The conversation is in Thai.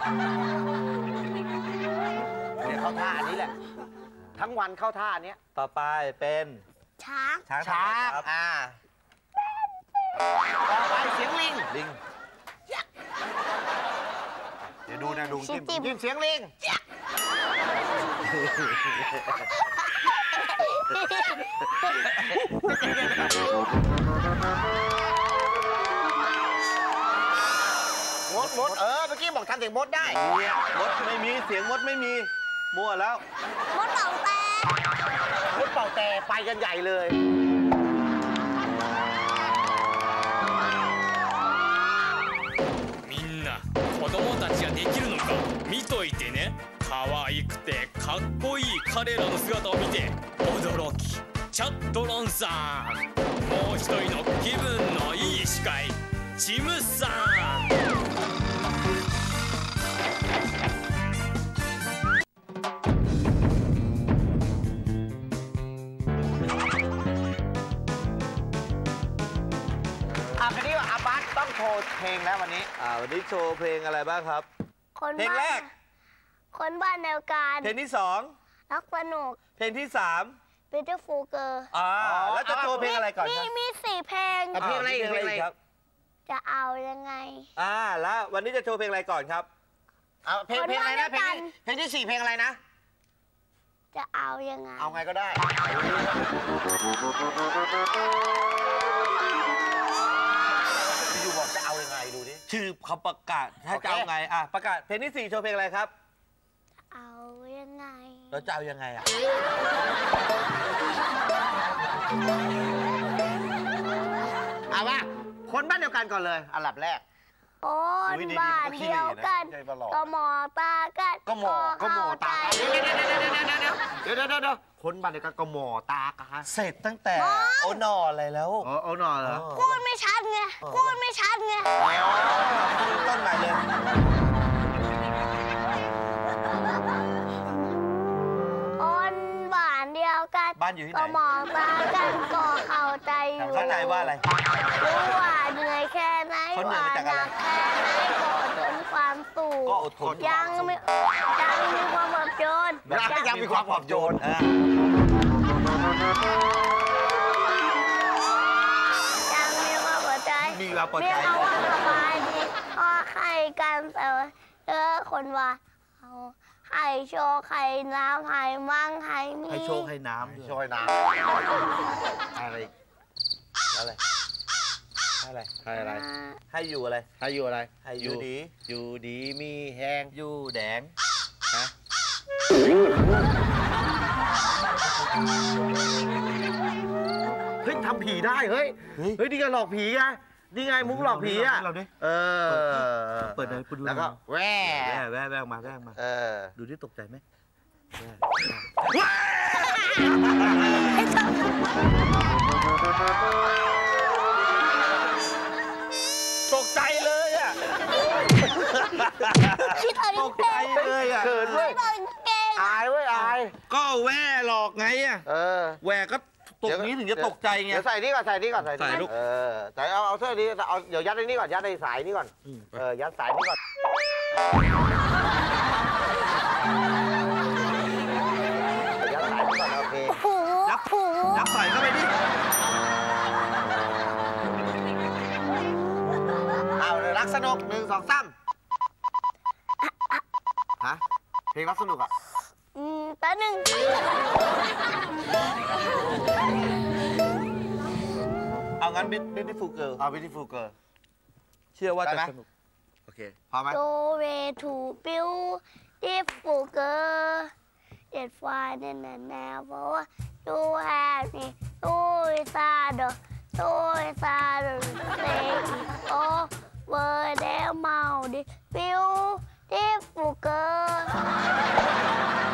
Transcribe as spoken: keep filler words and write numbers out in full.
เดี๋ยวเข้าท่าอันนี้แหละ ทั้งวันเข้าท่าอันเนี้ยต่อไปเป็นช้างช้างช้างครับอ่าต่อไปเสียงลิงลิงเดี๋ยวดูนะดูชิจิ้มจิมจิ้มเสียงลิงมดมดเออเมื่อกี้บอกทำเสียงมดได้เนี่ยมดไม่มีเสียงมดไม่มีมั่วแล้วมดเต่าแตกมดเป่าแต่ไปกันใหญ่เลยみんな子供たちができるのか見といてね可愛くてかっこいい彼らの姿を見て驚きチャットロンさんもう一人の気分のいい司会チムさんอ่ะคันนี้ว่าอาบัสต้องโชว์เพลงแล้ววันนี้อ่าวันนี้โชว์เพลงอะไรบ้างครับคนเพลงแรบ้านกคนบ้านเดียวกันเพลงที่สองรักสนุกเพลงที่สาม Beautiful Girl อ่าอ๋อแล้วจะโชว์เพลงอะไรก่อนมีครับมีสี่เพลงอ่ะเพลงอะไรอีกาเพลงอะไรอีกครับจะเอายังไงอ่าแล้ววันนี้จะโชว์เพลงอะไรก่อนครับเอาเพลงคนเพลงอะไรนะว่าด้วยเพลงกันที่เพลงที่สี่เพลงอะไรนะจะเอายังไงเอาไงก็ได้อยู่บอกจะเอายังไงดูดิชื่อเขาประกาศถ้าโอเคจะเอาไงอ่ะประกาศเพลงที่สี่โชว์เพลงอะไรครับเอายังไงเราจะเอายังไงอ่ะเอาว่าคนบ้านเดียวกันก่อนเลยอันดับแรกคนอุ๊ยดีๆบ้านมันก็ขี้เดียวกันเหร่นะใจประหลอดก็มองตากันก็หมอก็หมอตาเข้ใจเดี๋ยวเดี๋ยวเดี๋ยวเดี๋ยวเดี๋ยวเดี๋ยวเดี๋ยวคนบ้านเดียวกันก็หมอตากันเสร็จตั้งแต่โอนออะไรแล้วอ๋อเอาหน่อยเหรอพูดไม่ชัดไงพูดไม่ชัดไงต้นใหม่เลยคนบ้านเดียวกันบ้านอยู่ที่ไหนก็มองตากันก็เข้าใจอยู่เข้าใจว่าอะไรรู้ว่าเหนื่อยแค่ไหนเขาเหนื่อยว่ามาจากหอะไรนักแค่ไหนก็อดทนความสู้ก็อดทนยังไม่ยังมีความปลอบโยนยังมีความปลอบโยนอ่ายังมีความปลอบใจมีความปลอบใจเรียกเอาว่าสบายดีก็ให้กันแต่ว่าเออคนว่าเอาให้โชว์ให้น้ำให้มั่งให้มีให้โชคให้น้ำด้วยช่วยน้ำอะไรอีกอะไรให้อะไรให้อะไรให้อยู่อะไรให้อยู่อะไรให้อยู่ดีอยู่ดีมีแห้งอยู่แดงฮะเฮ้ยทำผีได้เฮ้ยเฮ้ยเฮ้ยนี่ไงหลอกผีไงนี่ไงมุกหลอกผีอ่ะเราดิเออเปิดเลยเปิดดูแล้วก็แว่แว่แว่แว่ออกมาแว่ออกมาเออดูที่ตกใจไหมตกใจเลยอ่ะคิดเอาตดิกใจเลยอ่ะเขินเว้ยคิดเอาดิเก่งอายเว้ยอายก็แว่หลอกไงอ่ะเออแหวกก็ตรงนี้ถึงจะตกใจไงเดี๋ยวใส่นี่ก่อนใส่นี่ก่อนใส่ใส่ลูกเออใส่เอาเอาเสื้อนี้เอาเดี๋ยวยัดในนี่ก่อนยัดในสายนี่ก่อนอืมเออยัดสายนี่ก่อนยัดสายนี่ก่อนโอเคผูยับผูยับใส่เข้าไปดิเอาเลยรักสนุกหนึ่งสองสามฮะเพลงรักสนุกอ่ะอืมแป๊บหนึงเอางั้น Beautiful Girl เอา Beautiful Girl เชื่อว่าได้จะไหมสนุกโอเคพร้อมไหมโดเวทูบิวดิฟูเกอร์เด็ดไฟในนันแนวเพราะว่าดูแฮปปี้ดูซาโดดูซาโดเซกิโอเวอร์เดลเมาดิบิวดิฟูเกอร์